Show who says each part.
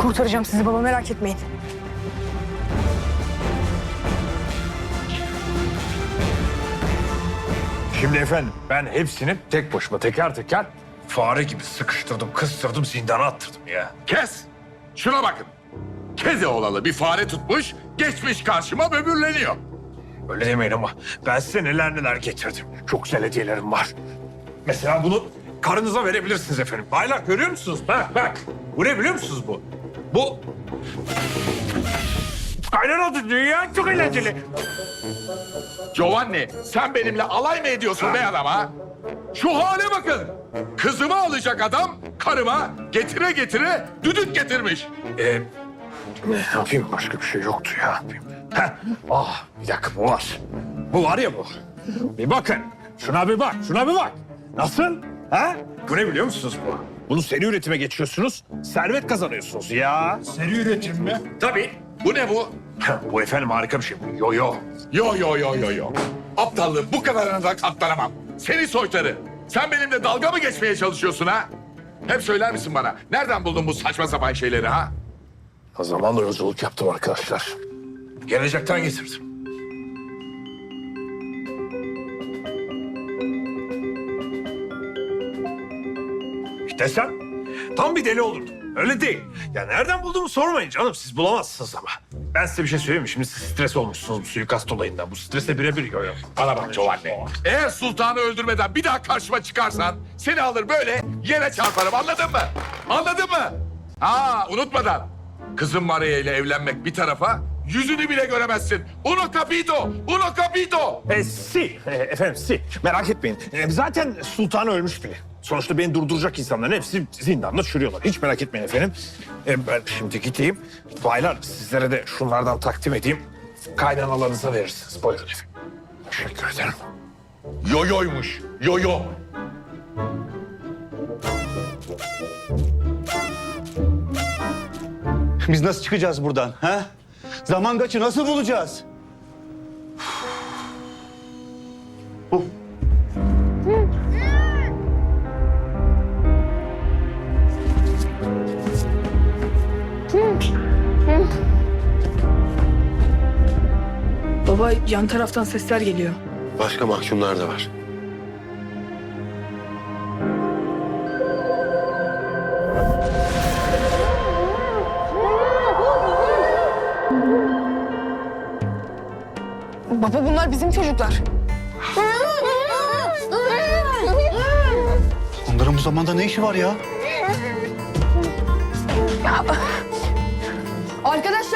Speaker 1: kurtaracağım sizi baba, merak etmeyin.
Speaker 2: Şimdi efendim ben hepsini tek başıma teker teker fare gibi sıkıştırdım, kıstırdım, zindana attırdım ya.
Speaker 3: Kes! Şuna bakın. Kedi olalı bir fare tutmuş, geçmiş karşıma böbürleniyor.
Speaker 2: Öyle demeyin ama ben size neler neler getirdim. Çok güzel hediyelerim var. Mesela bunu karınıza verebilirsiniz efendim. Baylar görüyor musunuz? Bak. Bu ne biliyor musunuz bu? Bu... Aynen oldu. Dünya çok eğlenceli.
Speaker 3: Giovanni, sen benimle alay mı ediyorsun be adam ha? Şu hale bakın. Kızımı alacak adam karıma getire getire düdük getirmiş.
Speaker 2: Ne yapayım? Başka bir şey yoktu ya. Ne yapayım? Bir dakika bu var. Bu var ya bu. Bir bakın. Şuna bir bak. Şuna bir bak. Nasıl? Ha? Bu ne biliyor musunuz bu? Bunu seri üretime geçiyorsunuz. Servet kazanıyorsunuz ya.
Speaker 4: Seri üretim mi?
Speaker 2: Tabii.
Speaker 3: Bu ne bu?
Speaker 2: Bu efendim harika bir şey. Bu yo yo.
Speaker 3: Yo. Aptallığın bu kadarına da katlanamam. Seni soytarı. Sen benimle dalga mı geçmeye çalışıyorsun ha? Hep söyler misin bana? Nereden buldun bu saçma sapan şeyleri ha?
Speaker 2: O zaman da yolculuk yaptım arkadaşlar. Gelecekten getirdim. İşte sen tam bir deli olurdun. Öyle değil. Ya nereden bulduğumu sormayın canım. Siz bulamazsınız ama. Ben size bir şey söyleyeyim mi? Şimdi siz stres olmuşsunuz bu suikast olayından. Bu stresle birebir yo.
Speaker 3: Bana bak Giovanni. Eğer sultanı öldürmeden bir daha karşıma çıkarsan seni alır böyle yere çarparım, anladın mı? Anladın mı? Unutmadan. Kızım Maria ile evlenmek bir tarafa, yüzünü bile göremezsin. Uno capito, uno capito.
Speaker 2: Efendim si. Merak etmeyin. Zaten sultan ölmüş bile. Sonuçta beni durduracak insanların hepsi zindanda çürüyorlar. Hiç merak etmeyin efendim. Ben şimdi gideyim. Baylar sizlere de şunlardan takdim edeyim. Kaynanalarınıza verirsiniz. Buyurun efendim. Teşekkür ederim.
Speaker 3: Yoyoymuş, yoyo.
Speaker 5: Biz nasıl çıkacağız buradan? Ha? Zaman kaçı nasıl bulacağız?
Speaker 1: Baba, yan taraftan sesler geliyor.
Speaker 6: Başka mahkumlar da var.
Speaker 1: Baba, bunlar bizim çocuklar.
Speaker 5: Onların bu zamanda ne işi var ya?
Speaker 1: Arkadaşlar,